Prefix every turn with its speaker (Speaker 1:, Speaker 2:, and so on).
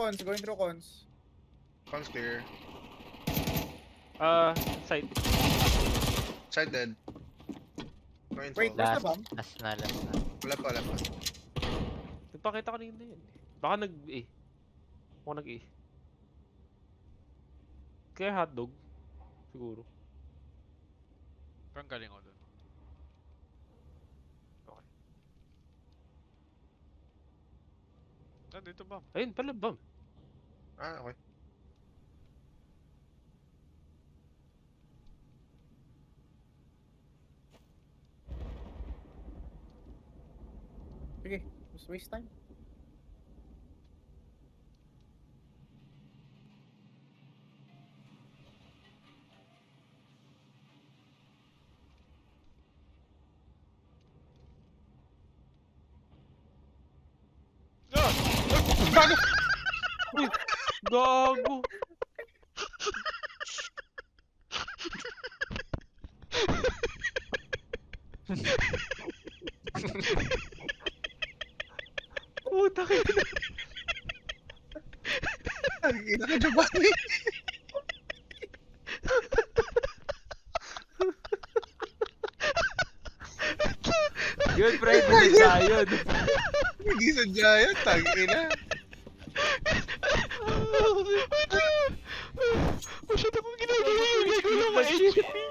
Speaker 1: cons, going through cons.
Speaker 2: Cons clear.
Speaker 3: Side.
Speaker 2: Side dead. No info.
Speaker 1: Wait, where's the
Speaker 4: Last,
Speaker 1: bomb?
Speaker 4: last na.
Speaker 2: Wala pa, wala pa.
Speaker 3: Nagpakita ko kanina yun. Baka nag-A. Baka nag-A. Kaya hotdog. Siguro.
Speaker 5: Parang galing ako dun.
Speaker 3: Okay.
Speaker 5: Ah, dito ba?
Speaker 3: Ayun pala, bam.
Speaker 2: Ah, okay.
Speaker 1: Sige, just waste time.
Speaker 3: Uy! Gago! Puta ka na.
Speaker 2: Ang ina ka, Giovanni.
Speaker 3: Yun, pre, binigsa yun.
Speaker 2: Hindi sadya yan, tang ina.
Speaker 5: Masyado akong ginagawa. Gagawin lang ma-HP.